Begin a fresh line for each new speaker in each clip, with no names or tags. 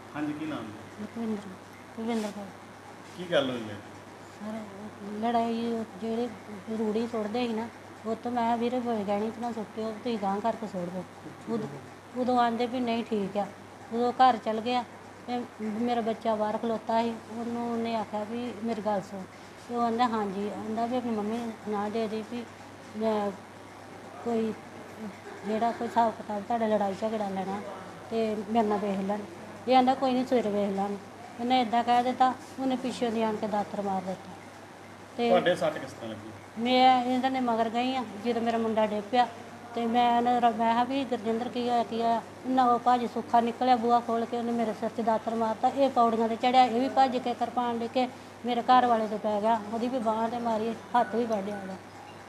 हाँ जी, की नाम है?
ਲਖਵਿੰਦਰ ਕੁਲਵਿੰਦਰ ਕੌਰ।
की गल हुई है?
ਸਰ ਲੜਾਈ ਜਿਹੜੇ ਰੂੜੀ ਸੁੱਟਦੇ ਸੀ ਨਾ, ਉਹ ਤੋਂ ਮੈਂ ਵੀਰੇ ਗਹਿਣੀ 'ਚ ਨਾ ਸੁੱਟਿਓ, ਤੁਸੀਂ ਗਾਂਹ ਕਰਕੇ ਸੁੱਟ ਦਿਓ। ਉਦੋਂ ਆਂਦੇ ਵੀ ਨਹੀਂ ਠੀਕ ਆ। ਉਦੋਂ ਘਰ ਚਲ ਗਿਆ ਤੇ ਮੇਰਾ ਬੱਚਾ ਬਾਹਰ ਖਲੋਤਾ ਸੀ, ਉਹਨੇ ਆਖਿਆ ਵੀ ਮੇਰੀ ਗੱਲ ਸੁਣ। ਤੇ ਉਹ ਆਂਦਾ ਹਾਂਜੀ, ਆਂਦਾ ਵੀ ਆਪਣੀ ਮੰਮੀ ਨੂੰ ਨਾ ਦੇ ਦੇ ਵੀ ਮੈਂ ਕੋਈ ਜਿਹੜਾ ਕੋਈ ਹਿਸਾਬ ਕਿਤਾਬ ਤੁਹਾਡਾ ਲੜਾਈ ਝਗੜਾ ਲੈਣਾ ਤੇ ਮੇਰੇ ਨਾਲ ਵੇਖ ਲੈਣ। ਇਹ ਆਂਦਾ ਕੋਈ ਨਹੀਂ ਸਵੇਰੇ ਵੇਖ ਲਾਂਗੇ। ਉਹਨੇ ਇੱਦਾਂ ਕਹਿ ਦਿੱਤਾ, ਉਹਨੇ ਪਿੱਛੋਂ ਦੀ ਆਣ ਕੇ ਦਾਤਰ ਮਾਰ ਦਿੱਤਾ। ਤੇ
ਤੁਹਾਡੇ ਸੱਟ ਕਿਸ ਤਰ੍ਹਾਂ ਲੱਗੀ?
ਮੈਂ ਇਹਨਾਂ ਦੇ ਮਗਰ ਗਈ ਆ, ਜਦੋਂ ਮੇਰਾ ਮੁੰਡਾ ਡਿੱਗ ਪਿਆ ਤੇ ਮੈਂ ਕਿਹਾ ਵੀ ਗੁਰਜਿੰਦਰ ਕੀ ਹੋਇਆ ਕੀ ਹੋਇਆ। ਉਹਨਾਂ ਉਹ ਭਾਜੀ ਸੁੱਖਾ ਨਿਕਲਿਆ, ਬੂਹਾ ਖੋਲ੍ਹ ਕੇ ਉਹਨੇ ਮੇਰੇ ਸਿਰ 'ਚ ਦਾਤਰ ਮਾਰਤਾ। ਇਹ ਪੌੜੀਆਂ 'ਤੇ ਚੜ੍ਹਿਆ, ਇਹ ਵੀ ਭੱਜ ਕੇ ਕਿਰਪਾਨ ਲੈ ਕੇ ਮੇਰੇ ਘਰ ਵਾਲੇ 'ਤੇ ਪੈ ਗਿਆ, ਉਹਦੀ ਵੀ ਬਾਂਹ 'ਤੇ ਮਾਰੀ, ਹੱਥ ਵੀ ਵੱਢਿਆ ਉਹਦਾ।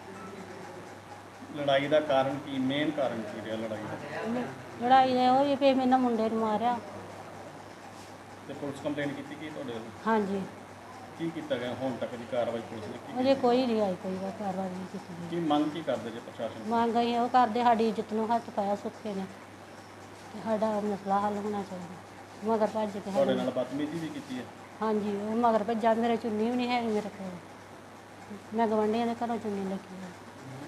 ਲੜਾਈ ਦਾ ਕਾਰਨ ਕੀ, ਮੇਨ ਕਾਰਨ ਕੀ ਰਿਹਾ ਲੜਾਈ ਦਾ?
ਲੜਾਈ ਦਾ ਉਹ ਵੀ ਵੀ ਮੇਰੇ ਨਾਲ ਮੁੰਡੇ ਨੂੰ ਮਾਰਿਆ।
ਤੇ ਪੁਲਿਸ ਕੰਪਲੇਂਟ ਕੀਤੀ ਕੀ ਤੁਹਾਡੇ ਵੱਲੋਂ?
ਹਾਂਜੀ,
ਕੀ ਕੀਤਾ ਗਿਆ ਹੁਣ ਤੱਕ ਦੀ ਕਾਰਵਾਈ ਪੁਲਿਸ ਨੇ ਕੀ
ਅਜੇ ਕੋਈ ਨਹੀਂ ਆਈ, ਕੋਈ ਕਾਰਵਾਈ ਨਹੀਂ ਕੀਤੀ ਗਈ।
ਕੀ ਮੰਗ ਕੀ ਕਰਦੇ ਜੇ ਪ੍ਰਸ਼ਾਸਨ?
ਮੰਗ ਅਸੀਂ ਉਹ ਕਰਦੇ, ਸਾਡੀ ਇੱਜ਼ਤ ਨੂੰ ਹੱਥ ਪਾਇਆ ਸੁੱਖੇ ਨੇ ਤੇ ਸਾਡਾ ਮਸਲਾ ਹੱਲ ਹੋਣਾ ਚਾਹੀਦਾ। ਮਗਰ ਭੱਜ ਕੇ
ਤੁਹਾਡੇ ਨਾਲ ਬਦਤਮੀਜ਼ੀ ਵੀ ਕੀਤੀ ਹੈ?
ਹਾਂਜੀ, ਉਹ ਮਗਰ ਭੱਜਾ। ਮੇਰੇ ਚੁੰਨੀ ਵੀ ਨਹੀਂ ਹੈਗੀ ਮੇਰੇ ਕੋਲ, ਮੈਂ ਗਵਾਂਢੀਆਂ ਦੇ ਘਰੋਂ ਚੁੰਨੀ ਲੈ ਕੇ ਆਈ।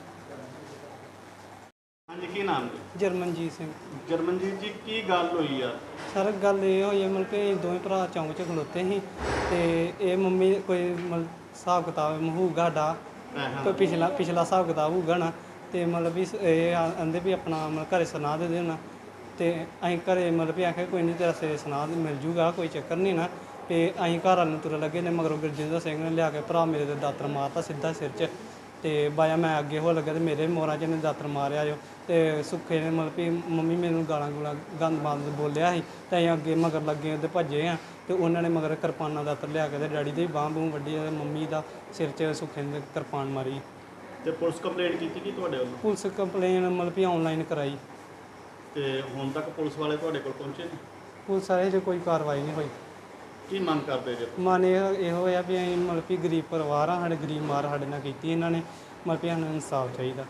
ਹਾਂਜੀ, ਕੀ ਨਾਮ ਜੀ?
ਜਰਮਨਜੀਤ ਸਿੰਘ।
ਜਰਮਨਜੀਤ ਜੀ, ਕੀ ਗੱਲ ਹੋਈ ਆ?
ਸਰ ਗੱਲ ਇਹ ਹੋਈ ਹੈ, ਮਤਲਬ ਕਿ ਅਸੀਂ ਦੋਵੇਂ ਭਰਾ ਚੌਂਕ 'ਚ ਖਲੋਤੇ ਸੀ ਤੇ ਇਹ ਮੰਮੀ ਕੋਈ ਮਤਲਬ ਹਿਸਾਬ ਕਿਤਾਬ ਹੋਊਗਾ ਸਾਡਾ, ਕੋਈ ਪਿਛਲਾ ਹਿਸਾਬ ਕਿਤਾਬ ਹੋਊਗਾ ਨਾ, ਤੇ ਮਤਲਬ ਵੀ ਇਹ ਆਂਦੇ ਵੀ ਆਪਣਾ ਮਤਲਬ ਘਰੇ ਸੁਣਾ ਦੇ ਦੇਣਾ। ਤੇ ਅਸੀਂ ਘਰੇ ਮਤਲਬ ਵੀ ਆਖਿਆ ਕੋਈ ਨਹੀਂ, ਤੇਰਾ ਸੇ ਸੁਣਾ ਮਿਲ ਜੂਗਾ, ਕੋਈ ਚੱਕਰ ਨਹੀਂ ਨਾ। ਤੇ ਅਸੀਂ ਘਰ ਵਾਲ ਨੂੰ ਤੁਰਨ ਲੱਗੇ ਨੇ, ਮਗਰੋਂ ਗੁਰਜਿੰਦਰ ਸਿੰਘ ਨੇ ਲਿਆ ਕੇ ਭਰਾ ਮੇਰੇ ਦੇ ਦਾਤਰ ਮਾਰਤਾ ਸਿੱਧਾ ਸਿਰ 'ਚ। ਤੇ ਬਾਇਆ ਮੈਂ ਅੱਗੇ ਹੋ ਲੱਗਾ ਤੇ ਮੇਰੇ ਮੋਰਾਂ 'ਚ ਇਹਨੇ ਦਾਤਰ ਮਾਰਿਆ ਜੋ। ਤੇ ਸੁੱਖੇ ਨੇ ਮਤਲਬ ਵੀ ਮੰਮੀ ਮੈਨੂੰ ਗਾਲਾਂ ਗੂਲਾਂ ਗੰਦ ਬੰਦ ਬੋਲਿਆ ਸੀ, ਤੇ ਅਸੀਂ ਅੱਗੇ ਮਗਰ ਲੱਗੇ ਉਹਦੇ ਭੱਜੇ ਆ। ਤੇ ਉਹਨਾਂ ਨੇ ਮਗਰ ਕਿਰਪਾਨਾਂ ਦਾਤਰ ਲਿਆ ਕੇ ਤੇ ਡੈਡੀ ਦੇ ਬਾਂਹ ਬੂਹ ਵੱਢੀ ਤੇ ਮੰਮੀ ਦਾ ਸਿਰ 'ਚ ਸੁੱਖੇ ਨੇ ਕਿਰਪਾਨ ਮਾਰੀ।
ਤੇ ਪੁਲਿਸ ਕੰਪਲੇਂਟ ਕੀਤੀ ਕੀ ਤੁਹਾਡੇ ਵੱਲੋਂ?
ਪੁਲਿਸ ਕੰਪਲੇਨ ਮਤਲਬ ਵੀ ਆਨਲਾਈਨ ਕਰਾਈ।
ਤੇ ਹੁਣ ਤੱਕ ਪੁਲਿਸ ਵਾਲੇ ਤੁਹਾਡੇ ਕੋਲ ਪਹੁੰਚੇ ਨੇ?
ਪੁਲਿਸ ਵਾਲੇ 'ਚ ਕੋਈ ਕਾਰਵਾਈ ਨਹੀਂ ਹੋਈ।
ਕੀ ਮੰਗ ਕਰਦੇ ਜੇ?
ਮਨ ਇਹ ਹੋਇਆ ਵੀ ਅਸੀਂ ਮਤਲਬ ਵੀ ਗਰੀਬ ਪਰਿਵਾਰ ਆ, ਸਾਡੇ ਗਰੀਬ ਮਾਰ ਸਾਡੇ ਨਾਲ ਕੀਤੀ ਇਹਨਾਂ ਨੇ, ਮਤਲਬ ਵੀ ਸਾਨੂੰ ਇਨਸਾਫ ਚਾਹੀਦਾ।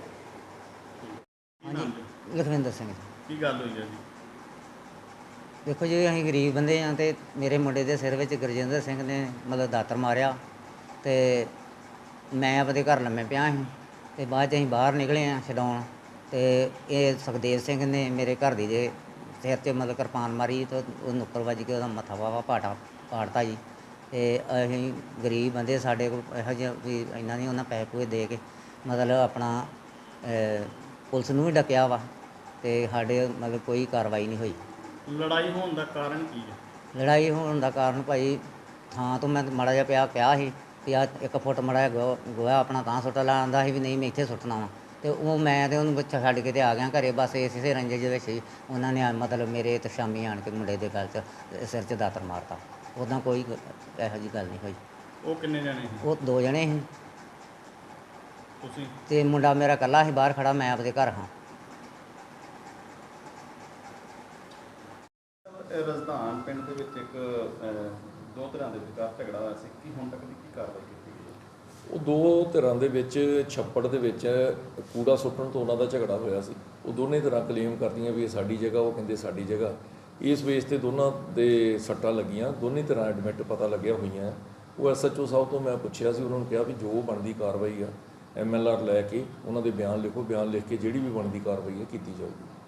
ਹਾਂਜੀ, ਲਖਵਿੰਦਰ ਸਿੰਘ ਜੀ।
ਕੀ ਗੱਲ ਹੋਈ ਹੈ ਜੀ?
ਦੇਖੋ ਜੀ, ਅਸੀਂ ਗਰੀਬ ਬੰਦੇ ਹਾਂ ਤੇ ਮੇਰੇ ਮੁੰਡੇ ਦੇ ਸਿਰ ਵਿੱਚ ਗੁਰਜਿੰਦਰ ਸਿੰਘ ਨੇ ਮਤਲਬ ਦਾਤਰ ਮਾਰਿਆ ਤੇ ਮੈਂ ਆਪਣੇ ਘਰ ਲੰਮੇ ਪਿਆ ਸੀ। ਤੇ ਬਾਅਦ 'ਚ ਅਸੀਂ ਬਾਹਰ ਨਿਕਲੇ ਹਾਂ ਛਡਾਉਣ, ਤੇ ਇਹ ਸੁਖਦੇਵ ਸਿੰਘ ਨੇ ਮੇਰੇ ਘਰ ਦੀ ਦੇ ਸਿਰ 'ਚ ਮਤਲਬ ਕਿਰਪਾਨ ਮਾਰੀ ਤੇ ਉਹ ਨੁੱਕਰ ਵੱਜ ਕੇ ਉਹਦਾ ਮੱਥਾ ਵਾਵਾ ਪਾੜਤਾ ਜੀ। ਤੇ ਅਸੀਂ ਗਰੀਬ ਬੰਦੇ, ਸਾਡੇ ਕੋਲ ਇਹੋ ਜਿਹਾ ਵੀ ਇੰਨਾ ਨਹੀਂ ਉਹਨਾਂ ਪੈਸੇ ਪੂਏ ਦੇ ਕੇ ਮਤਲਬ ਆਪਣਾ ਪੁਲਿਸ ਨੂੰ ਵੀ ਡੱਕਿਆ ਵਾ ਤੇ ਸਾਡੇ ਮਤਲਬ ਕੋਈ ਕਾਰਵਾਈ ਨਹੀਂ ਹੋਈ।
ਲੜਾਈ ਹੋਣ ਦਾ ਕਾਰਨ ਕੀ ਹੈ?
ਲੜਾਈ ਹੋਣ ਦਾ ਕਾਰਨ ਭਾਈ, ਥਾਂ ਤੋਂ ਮੈਂ ਮਾੜਾ ਜਿਹਾ ਕਿਹਾ ਸੀ ਵੀ ਆ 1 ਫੁੱਟ ਮਾੜਾ ਜਿਹਾ ਗੋਹਾ ਆਪਣਾ ਤਾਂ ਸੁੱਟ ਲਾਉਂਦਾ ਸੀ ਵੀ ਨਹੀਂ ਮੈਂ ਇੱਥੇ ਸੁੱਟਣਾ ਵਾ। ਤੇ ਉਹ ਮੈਂ ਤੇ ਉਹਨੂੰ ਬੱਚਾ ਛੱਡ ਕੇ ਤੇ ਆ ਗਿਆ ਘਰੇ। ਬਸ ਇਸੇ ਰੰਜੇ ਦੇ ਵਿੱਚ ਹੀ ਉਹਨਾਂ ਨੇ ਮਤਲਬ ਮੇਰੇ ਤੇ ਸ਼ਾਮੀ ਆਣ ਕੇ ਮੁੰਡੇ ਦੇ ਗਲ 'ਚ ਸਿਰ 'ਚ ਦਾਤਰ ਮਾਰਤਾ। ਉੱਦਾਂ ਕੋਈ ਇਹੋ ਜਿਹੀ ਗੱਲ ਨਹੀਂ ਹੋਈ।
ਉਹ ਕਿੰਨੇ ਜਣੇ ਸੀ?
ਉਹ 2 ਜਣੇ ਸੀ
ਤੁਸੀਂ
ਤੇ ਮੁੰਡਾ ਮੇਰਾ ਇਕੱਲਾ ਸੀ ਬਾਹਰ ਖੜਾ, ਮੈਂ ਆਪਦੇ ਘਰ ਹਾਂ।
ਰਜ਼ਦਾਨ ਪਿੰਡ ਦੇ ਵਿੱਚ ਇੱਕ ਦੋ ਧਿਰਾਂ ਦੇ ਵਿਚਕਾਰ ਝਗੜਾ ਹੋਇਆ ਸੀ, ਕੀ ਹੁਣ ਤੱਕ ਦੀ ਕੀ ਕਾਰਵਾਈ ਕੀਤੀ ਗਈ ਹੈ?
ਉਹ 2 ਧਿਰਾਂ ਦੇ ਵਿੱਚ ਛੱਪੜ ਦੇ ਵਿੱਚ ਕੂੜਾ ਸੁੱਟਣ ਤੋਂ ਉਹਨਾਂ ਦਾ ਝਗੜਾ ਹੋਇਆ ਸੀ। ਉਹ ਦੋਨੇ ਧਿਰਾਂ ਕਲੇਮ ਕਰਦੀਆਂ ਵੀ ਇਹ ਸਾਡੀ ਜਗ੍ਹਾ, ਉਹ ਕਹਿੰਦੇ ਸਾਡੀ ਜਗ੍ਹਾ। ਇਸ ਬੇਸ ਤੇ ਦੋਨਾਂ ਦੇ ਸੱਟਾਂ ਲੱਗੀਆਂ, ਦੋਨੇ ਧਿਰਾਂ ਐਡਮਿਟ ਪਤਾ ਲੱਗਿਆ ਹੋਈਆਂ। ਉਹ SHO ਸਾਹਿਬ ਤੋਂ ਮੈਂ ਪੁੱਛਿਆ ਸੀ, ਉਹਨਾਂ ਨੂੰ ਕਿਹਾ ਵੀ ਜੋ ਬਣਦੀ ਕਾਰਵਾਈ ਆ MLR ਲੈ ਕੇ ਉਹਨਾਂ ਦੇ ਬਿਆਨ ਲਿਖੋ, ਬਿਆਨ ਲਿਖ ਕੇ ਜਿਹੜੀ ਵੀ ਬਣਦੀ ਕਾਰਵਾਈ ਹੈ ਕੀਤੀ ਜਾਊਗੀ।